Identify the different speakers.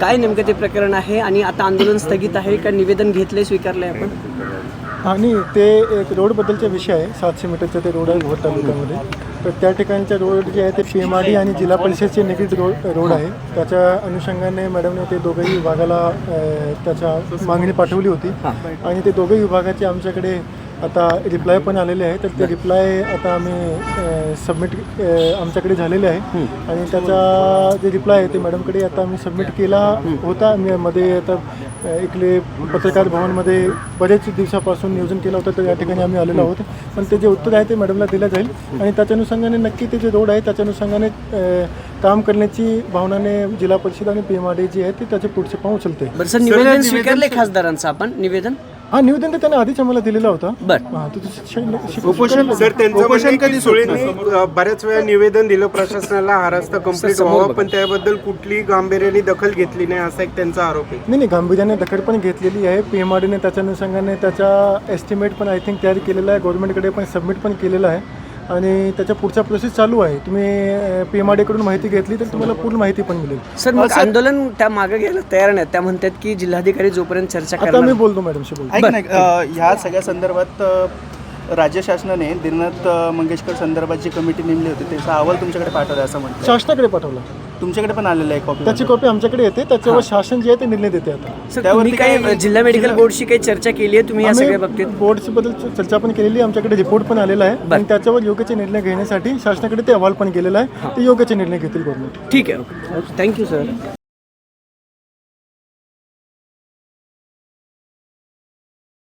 Speaker 1: काय नेमकं ते प्रकरण आहे आणि आता आंदोलन स्थगित आहे का निवेदन घेतले स्वीकारले आपण?
Speaker 2: आणि ते एक रोडबद्दलचा विषय आहे. 700 मीटरचा ते रोड आहे भोर तालुक्यामध्ये. तर त्या ठिकाणच्या रोड जे आहे ते PMRD आणि जिल्हा परिषदचे निगडीत रोड आहे. त्याच्या अनुषंगाने मॅडमने ते दोघंही विभागाला त्याच्या मागणी पाठवली होती आणि ते दोघंही विभागाचे आमच्याकडे आता रिप्लाय पण आलेले आहे. तर ते रिप्लाय आता आम्ही सबमिट आमच्याकडे झालेले आहे आणि त्याचा जे रिप्लाय आहे ते मॅडमकडे आता आम्ही सबमिट केला होता. मी मध्ये आता इकडे पत्रकार भवनमध्ये बरेच दिवसापासून नियोजन केलं होतं, तर या ठिकाणी आम्ही आलेलो आहोत. पण ते जे उत्तर आहे ते मॅडमला दिलं जाईल आणि त्याच्या अनुषंगाने नक्की ते जे रोड आहे त्याच्या अनुषंगाने काम करण्याची भावनाने जिल्हा परिषद आणि PMRD जी आहे ती त्याचे पुढचे पाऊल उचलते.
Speaker 1: बरं सर, निवेदन स्वीकारले खासदारांचं आपण निवेदन?
Speaker 2: हा, निवेदन तर त्यांनी आधीच आम्हाला दिलेला होता.
Speaker 3: उपोषण सर त्यांचं कधी सुळेंनी बऱ्याच वेळा निवेदन दिलं प्रशासनाला हा रस्ता कंप्लीट व्हावा, पण त्याबद्दल कुठली गांभीर्याने दखल घेतली नाही असा एक त्यांचा आरोप आहे.
Speaker 2: नाही, गांभीर्याने दखल पण घेतलेली आहे. PMRDने त्याच्या अनुषंगाने त्याचा एस्टिमेट पण आय थिंक तयार केलेला आहे, गव्हर्नमेंटकडे पण सबमिट पण केलेला आहे आणि त्याच्या पुढचा प्रोसेस चालू आहे. तुम्ही PMRD कडून माहिती घेतली तर तुम्हाला पूर्ण माहिती पण मिळेल.
Speaker 1: सर मग आंदोलन त्या मागे घ्यायला तयार नाही, त्या म्हणतात की जिल्हाधिकारी जोपर्यंत चर्चा
Speaker 2: आता
Speaker 1: करणार.
Speaker 2: मी बोलतो मॅडमशी बोलतो.
Speaker 4: ऐक नाही, ह्या सगळ्या संदर्भात राज्य शासनाने दिनानाथ मंगेशकर संदर्भात जी कमिटी नेमली होती त्याचा अहवाल तुमच्याकडे पाठवला असं म्हणतात.
Speaker 2: शासनाकडे पाठवला,
Speaker 4: तुमच्याकडे पण आलेला आहे कॉपी?
Speaker 2: त्याची कॉपी आमच्याकडे येते. त्याच्यावर शासन जे आहे ते निर्णय देते. आता
Speaker 1: सर तुम्ही काही जिल्हा मेडिकल बोर्डची काही चर्चा केली आहे तुम्ही या सगळ्या बाबतीत?
Speaker 2: बोर्डची बद्दल चर्चा पण केलेली आहे. आमच्याकडे रिपोर्ट पण आलेला आहे आणि त्याच्यावर योग्यचे निर्णय घेण्यासाठी शासनाकडे ते अहवाल पण गेलेला आहे. ते योग्यचे निर्णय घेतील गव्हर्नमेंट.
Speaker 1: ठीक आहे, ओके, थँक्यू सर.